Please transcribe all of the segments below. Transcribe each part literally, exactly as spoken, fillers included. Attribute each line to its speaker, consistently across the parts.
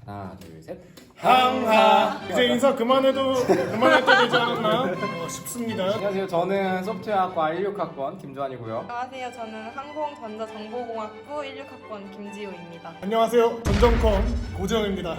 Speaker 1: 하나 둘 셋.
Speaker 2: 항하. 이제 인사 그만해도 그만할 때 되지 않았나 어, 싶습니다.
Speaker 1: 안녕하세요. 저는 소프트웨어학과 일육 학번 김주환이고요.
Speaker 3: 안녕하세요. 저는 항공전자정보공학부 일육 학번 김지호입니다.
Speaker 2: 안녕하세요. 전정컴 고재영입니다.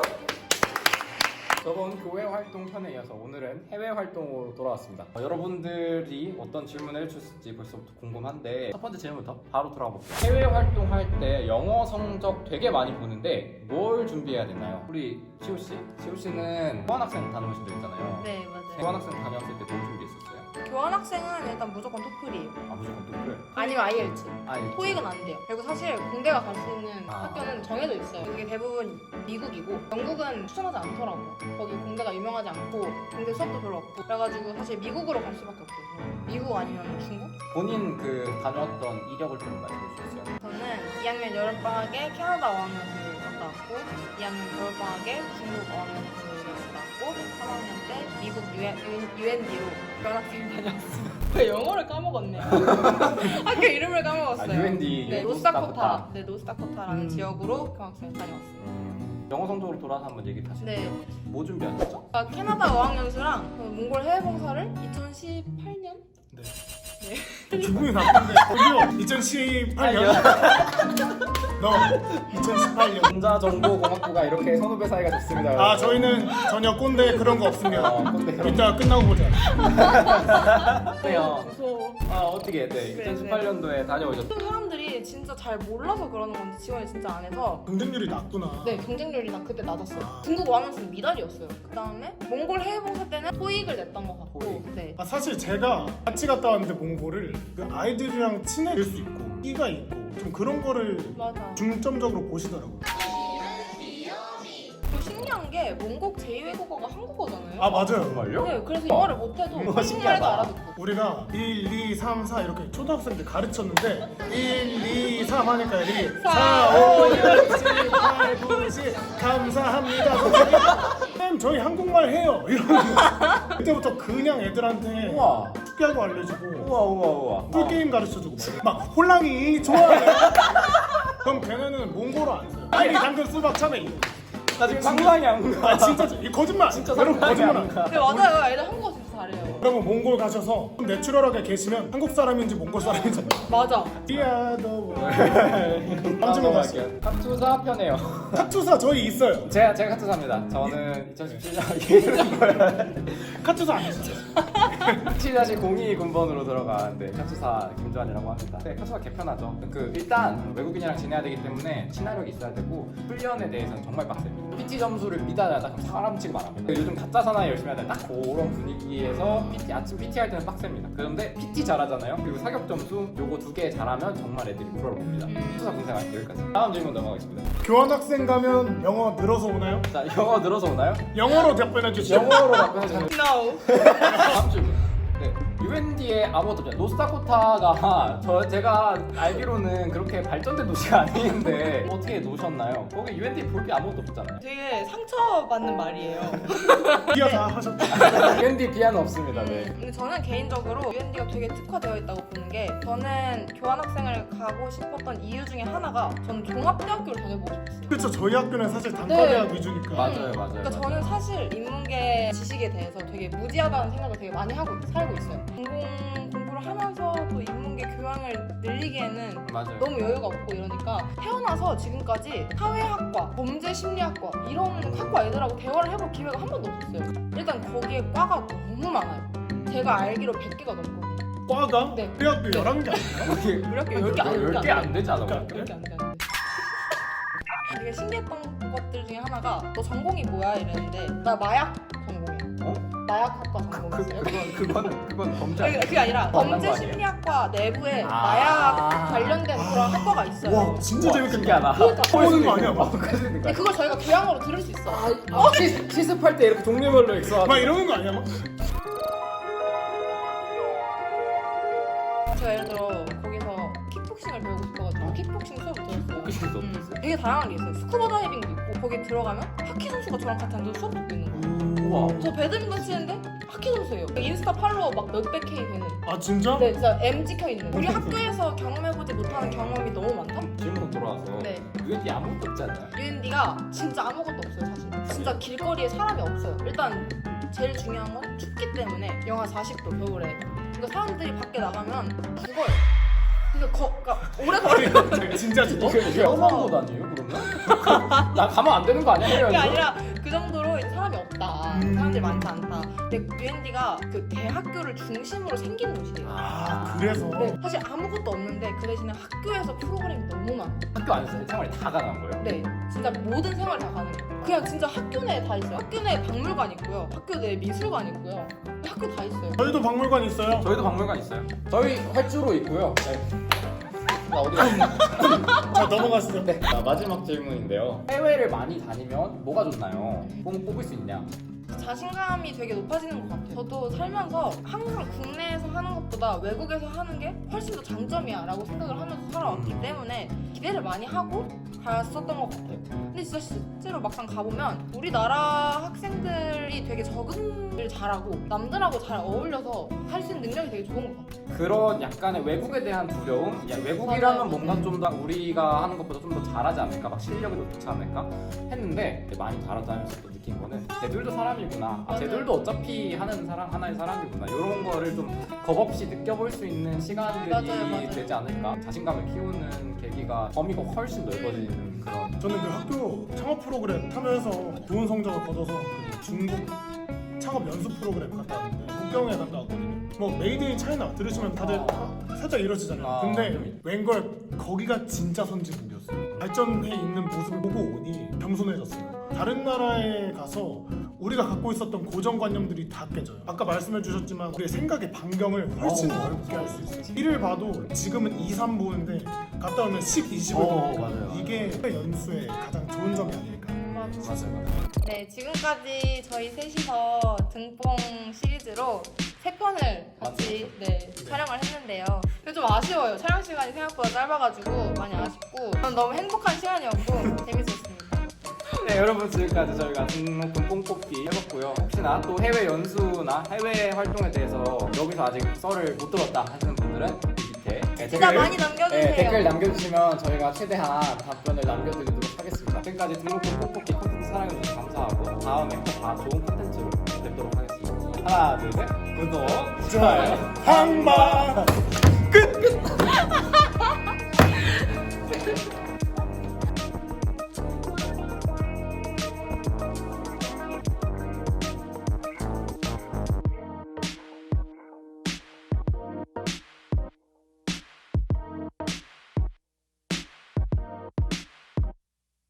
Speaker 1: 저번 교회 활동 편에 이어서 오늘은 해외 활동으로 돌아왔습니다. 어, 여러분들이 어떤 질문을 해주실지 벌써부터 궁금한데 첫 번째 질문부터 바로 들어가 볼게요. 해외 활동할 때 영어 성적 되게 많이 보는데 뭘 준비해야 되나요? 우리 시호 씨, 시호 씨는 교환학생 다녀오신 적 있잖아요.
Speaker 3: 네, 맞아요.
Speaker 1: 교환학생 다녀왔을 때 뭘 준비했었어요?
Speaker 3: 교환학생은 일단 무조건 토플이에요.
Speaker 1: 아 무조건 토플.
Speaker 3: 아니면 아이엘츠.
Speaker 1: 아
Speaker 3: 토익은 안 돼요. 그리고 사실 공대가 갈 수 있는
Speaker 1: 아.
Speaker 3: 학교는 정해져 있어요. 그게 대부분 미국이고 영국은 추천하지 않더라고. 거기 공대가 유명하지 않고 공대 수업도 별로 없고 그래가지고 사실 미국으로 갈 수밖에 없어요. 미국 아니면 중국?
Speaker 1: 본인 그 다녀왔던 이력을 좀 말씀해 주셨어요.
Speaker 3: 저는 이 학년 여름방학에 캐나다 어학연수를 갔다 왔고 이 학년 겨울방학에 중국 어학연수를 갔다 왔고 삼 학년 때 미국 유엔디로 교환학생 다녀왔어요. 왜 영어를 까먹었네요. 학교 이름을 까먹었어요.
Speaker 1: 아, 유엔디,
Speaker 3: 네,
Speaker 1: 노스다코타.
Speaker 3: 노스다코타. 네, 노스다코타라는
Speaker 2: 음.
Speaker 3: 지역으로 교환학생 다녀왔어요.
Speaker 1: 음, 영어 성적으로 돌아서 한번 얘기 다시
Speaker 3: 네.
Speaker 1: 해주세요. 뭐 준비하셨죠?
Speaker 3: 아, 캐나다 어학연수랑 그 몽골 해외봉사를 이천십팔 년?
Speaker 2: 네. 기분이 나쁜데 저기요 이천십팔 년 너 이천십팔 년
Speaker 1: 전자정보공학부가 이렇게 선후배 사이가 좋습니다.
Speaker 2: 아 저희는 전혀 꼰대 그런 거 없습니다.
Speaker 1: 어, 근데 그럼
Speaker 2: 이따 끝나고 보자.
Speaker 1: 어때요?
Speaker 3: 무서워.
Speaker 1: 아 어떻게 네, 이천십팔 년도에 다녀오셨어요?
Speaker 3: 모든 사람들이 진짜 잘 몰라서 그러는 건지 지원이 진짜 안 해서
Speaker 2: 경쟁률이 낮구나.
Speaker 3: 네, 경쟁률이나 그때 낮았어요. 중국 어학연수는 미달이었어요. 그 다음에 몽골 해외봉사 때는 토익을 냈던 것 같고
Speaker 1: 토익.
Speaker 3: 네.
Speaker 2: 아, 사실 제가 같이 갔다 왔는데 몽골을 그 아이들이랑 친해질 수 있고 끼가 있고 좀 그런 거를
Speaker 3: 맞아.
Speaker 2: 중점적으로 보시더라고요.
Speaker 3: 또 신기한 게 몽골 제이 외국어가 한국어잖아요.
Speaker 2: 아 맞아요.
Speaker 1: 정말요?
Speaker 3: 네, 그래서 영어를 못해도
Speaker 1: 음,
Speaker 3: 한국말도
Speaker 1: 신기하다.
Speaker 3: 알아듣고.
Speaker 2: 우리가 일, 이, 삼, 사 이렇게 초등학생들 가르쳤는데 일, 이, 삼 하니까 일, 사, 오, 육, 칠, 팔, 구, 십 감사합니다 선생님. 쌤 저희 한국말 해요 이러면 그때부터 그냥 애들한테
Speaker 1: 우와
Speaker 2: 축구하고 알려주고
Speaker 1: 우와 우와 우와
Speaker 2: 꿀게임 가르쳐주고 막 홀랑이 좋아해. 그럼 걔네는 몽골어 안 써요. 아니 당근 수박 참외 이거.
Speaker 1: 나 지금 상상이 안 가.
Speaker 2: 아 진짜 이 거짓말.
Speaker 1: 진짜
Speaker 2: 여러분
Speaker 1: 상상이
Speaker 2: 거짓말
Speaker 1: 안
Speaker 2: 안
Speaker 1: 가.
Speaker 3: 네, 맞아요. 애들 한국어 진짜 잘해요.
Speaker 2: 여러분 몽골 가셔서 내추럴하게 계시면 한국 사람인지 몽골 사람인지
Speaker 3: 맞아.
Speaker 2: 띠아도
Speaker 1: 다음
Speaker 2: 한주만
Speaker 1: 갈게요.
Speaker 2: 갔어요.
Speaker 1: 카투사 편해요.
Speaker 2: 카투사 저희 있어요.
Speaker 1: 제가 제가 카투사입니다. 저는 이천십칠 년
Speaker 2: 카투사 아니시죠?
Speaker 1: 칠 공이 군번으로 들어가는데 카투사 김주환이라고 합니다. 네, 카투사 개편하죠. 그 일단 외국인이랑 지내야 되기 때문에 친화력이 있어야 되고 훈련에 대해서는 정말 빡세요. 피티 점수를 미달하다 그럼 사람 취급 안 합니다. 요즘 가짜 사나이 열심히 하다 딱 그런 분위기에서 피티 아침 피티 할 때는 빡셉니다. 그런데 피티 잘하잖아요. 그리고 사격 점수 요거 두 개 잘하면 정말 애들이 부러워봅니다. 카투사 군생활 여기까지. 다음 질문 넘어가겠습니다.
Speaker 2: 교환학생 가면 영어 늘어서 오나요?
Speaker 1: 자 영어 늘어서 오나요?
Speaker 2: 영어로 답변해 주시죠.
Speaker 1: 영어로 답변해 주세요.
Speaker 3: No.
Speaker 1: 다음 질문. 네, 유엔디에 아무것도 없잖아요. 노스다코타가 저 제가 알기로는 그렇게 발전된 도시가 아닌데 어떻게 노셨나요? 거기 유엔디 볼 게 아무것도 없잖아요.
Speaker 3: 되게 상처받는 말이에요.
Speaker 2: 이어 다 하셨죠?
Speaker 1: 유엔디 비하는 없습니다. 네.
Speaker 3: 근데 저는 개인적으로 유엔디가 되게 특화되어 있다고 보는 게 저는 교환학생을 가고 싶었던 이유 중에 하나가 저는 종합대학교를 다녀보고 싶었어요.
Speaker 2: 그렇죠. 저희 학교는 사실 단과대학
Speaker 3: 네.
Speaker 2: 위주니까.
Speaker 1: 맞아요, 맞아요.
Speaker 3: 그러니까
Speaker 1: 맞아요.
Speaker 3: 저는 사실 인문계 지식에 대해서 되게 무지하다는 생각을 되게 많이 하고 살고 있어요. 전공 공부를 하면서 또 인문계 교양을 늘리기에는
Speaker 1: 맞아요.
Speaker 3: 너무 여유가 없고 이러니까 태어나서 지금까지 사회학과, 범죄심리학과 이런 학과 애들하고 대화를 해볼 기회가 한 번도 없었어요. 일단 거기에 과가 너무 많아요. 제가 알기로 백 개가 넘거든요.
Speaker 2: 과가?
Speaker 3: 네.
Speaker 2: 우리 학교
Speaker 3: 네.
Speaker 2: 열한 개 아니에요?
Speaker 1: 거기
Speaker 3: 우리 학교 열 개 안,
Speaker 1: 열 개 안 되지 않아요?
Speaker 2: 열 개?
Speaker 3: 열 개 안 돼, 안 돼. 되게 신기했던 것들 중에 하나가 너 전공이 뭐야? 이랬는데 나 마약 전공이야.
Speaker 1: 어?
Speaker 3: 마약학과
Speaker 1: 그,
Speaker 3: 전공이었어요.
Speaker 1: 그건 그건 그건 범죄
Speaker 3: 그게,
Speaker 1: 아니에요?
Speaker 3: 그게 아니라
Speaker 1: 만난 거 아니에요?
Speaker 3: 범죄심리학과 내부에
Speaker 1: 아.
Speaker 3: 마약 관련된 그런 학과가 있어요.
Speaker 2: 와 진짜
Speaker 1: 우와,
Speaker 2: 재밌겠다.
Speaker 1: 신기하다.
Speaker 3: 그러니까.
Speaker 2: 보는 거 아니야?
Speaker 1: 어,
Speaker 2: 막.
Speaker 1: 그러니까.
Speaker 3: 근데 그걸 저희가 교양으로 들을 수 있어.
Speaker 1: 어, 시, 시습할 때 이렇게 종류별로 있어.
Speaker 2: 막 이러는 거 아니야? 막?
Speaker 3: 제가 예를 들어 거기서 킥복싱을 배우고 싶어가지고 킥복싱 수업을 들었어요.
Speaker 1: 킥복싱
Speaker 3: 음,
Speaker 1: 수업
Speaker 3: 되게 다양한 게 있어요. 스쿠버 다이빙도 있고 거기 들어가면 하키 선수가 저랑 같이 앉아서 수업 듣고 있는 거예요.
Speaker 1: 우와.
Speaker 3: 저 배드민턴 치는데 하키 선수예요. 인스타 팔로워 막 몇백 K 되는.
Speaker 2: 아 진짜?
Speaker 3: 네, 진짜 M 찍혀 있는. 우리 학교에서 경험해보지 못하는 경험이 너무 많다.
Speaker 1: 질문 돌아와서
Speaker 3: 네.
Speaker 1: 유엔디 아무것도 없지 않나요?
Speaker 3: 유엔디가 진짜 아무것도 없어요 사실. 진짜 길거리에 사람이 없어요. 일단 제일 중요한 건 춥기 때문에 영하 사십 도 겨울에. 그러니까 사람들이 밖에 나가면 죽어요. 그래서 거, 그러니까 오래 걸어요.
Speaker 2: 진짜 죽어?
Speaker 1: 이게 이게 험한 곳 아니에요 그러면? 나 가면 안 되는 거 아니야?
Speaker 3: 그게
Speaker 1: 해외여행도?
Speaker 3: 아니라 그 정도로 이제 사람이 없다.
Speaker 2: 음.
Speaker 3: 사람들이 많지 않다. 근데 유엔디가 그 대학교를 중심으로 생긴 곳이에요.
Speaker 2: 아 그래서
Speaker 3: 네, 사실 아무것도 없는데 그 대신에 학교에서 프로그램이 너무 많아.
Speaker 1: 학교 안에서 생활이 다 가능한 거예요?
Speaker 3: 네, 진짜 모든 생활 다 가능해요. 그냥 진짜 학교 내에 다 있어요. 학교 내에 박물관 있고요. 학교 내에 미술관 있고요. 학교 다 있어요.
Speaker 2: 저희도 박물관 있어요.
Speaker 1: 저희도 박물관 있어요. 저희 활주로 있고요. 네. 나 어디 갔어?
Speaker 2: 자 넘어갔어요.
Speaker 1: 네. 자, 마지막 질문인데요. 해외를 많이 다니면 뭐가 좋나요? 뽕 뽑을 수 있냐?
Speaker 3: 자신감이 되게 높아지는 것 같아요. 저도 살면서 항상 국내에서 하는 것보다 외국에서 하는 게 훨씬 더 장점이야 라고 생각을 하면서 살아왔기 때문에 기대를 많이 하고 갔었던 것 같아요. 근데 진짜 실제로 막상 가보면 우리나라 학생들이 되게 적응을 잘하고 남들하고 잘 어울려서 할 수 있는 능력이 되게 좋은 것 같아요.
Speaker 1: 그런 약간의 외국에 대한 두려움? 야, 외국이라면
Speaker 3: 맞아요.
Speaker 1: 뭔가 좀 더 우리가 하는 것보다 좀 더 잘하지 않을까? 막 실력이 더 좋지 않을까? 했는데 많이 다르다면서 또 느낀 거는 쟤들도 사람이구나. 아,
Speaker 3: 맞아요.
Speaker 1: 쟤들도 어차피 하는 사람 하나의 사람이구나. 이런 거를 좀 겁없이 느껴볼 수 있는 시간들이
Speaker 3: 맞아요, 맞아요.
Speaker 1: 되지 않을까? 자신감을 키우는 계기가 범위가 훨씬 넓어지는 그런.
Speaker 2: 저는 그 학교 창업 프로그램 참여해서 좋은 성적을 거둬서 그 중국 창업 연수 프로그램 갔다 왔는데 북경에 갔다 왔거든요. 뭐 메이드 인 차이나 들으시면 다들 살짝 이러시잖아요.
Speaker 1: 아,
Speaker 2: 근데
Speaker 1: 좀.
Speaker 2: 웬걸 거기가 진짜 선진국이었어요. 발전해 있는 모습을 보고 오니 겸손해졌어요. 다른 나라에 가서 우리가 갖고 있었던 고정관념들이 다 깨져요. 아까 말씀해 주셨지만 우리의 생각의 반경을 훨씬
Speaker 1: 어,
Speaker 2: 넓게 할 수 있어요. 일을 봐도 지금은 이, 삼 보는데 갔다 오면 십, 이십을
Speaker 1: 어,
Speaker 2: 보거든요.
Speaker 1: 맞아요.
Speaker 2: 이게 연수의 가장 좋은 점이 아닐까.
Speaker 3: 맞아요.
Speaker 1: 맞아요, 맞아요.
Speaker 3: 네, 지금까지 저희 셋이서 등뽕 시리즈로 세 편을 같이 네, 촬영을 했는데요. 근데 좀 아쉬워요. 촬영 시간이 생각보다 짧아가지고 많이 아쉽고 저는 너무 행복한 시간이었고 재밌었습니다.
Speaker 1: 네, 여러분 지금까지 저희가 등록금 뽕뽑기 해봤고요. 혹시나 또 해외 연수나 해외 활동에 대해서 여기서 아직 썰을 못 들었다 하시는 분들은 이 밑에 네,
Speaker 3: 진짜
Speaker 1: 댓글,
Speaker 3: 많이 남겨주세요.
Speaker 1: 네, 댓글 남겨주시면 저희가 최대한 답변을 남겨드리도록 하겠습니다. 지금까지 등록금 뽕뽑기 콘텐츠 사랑해주셔서 감사하고 다음에 또 다 좋은 콘텐츠로 뵙도록 하겠습니다. 하나, 둘, 셋. 구독, 좋아요,
Speaker 2: 한바 끝 끝.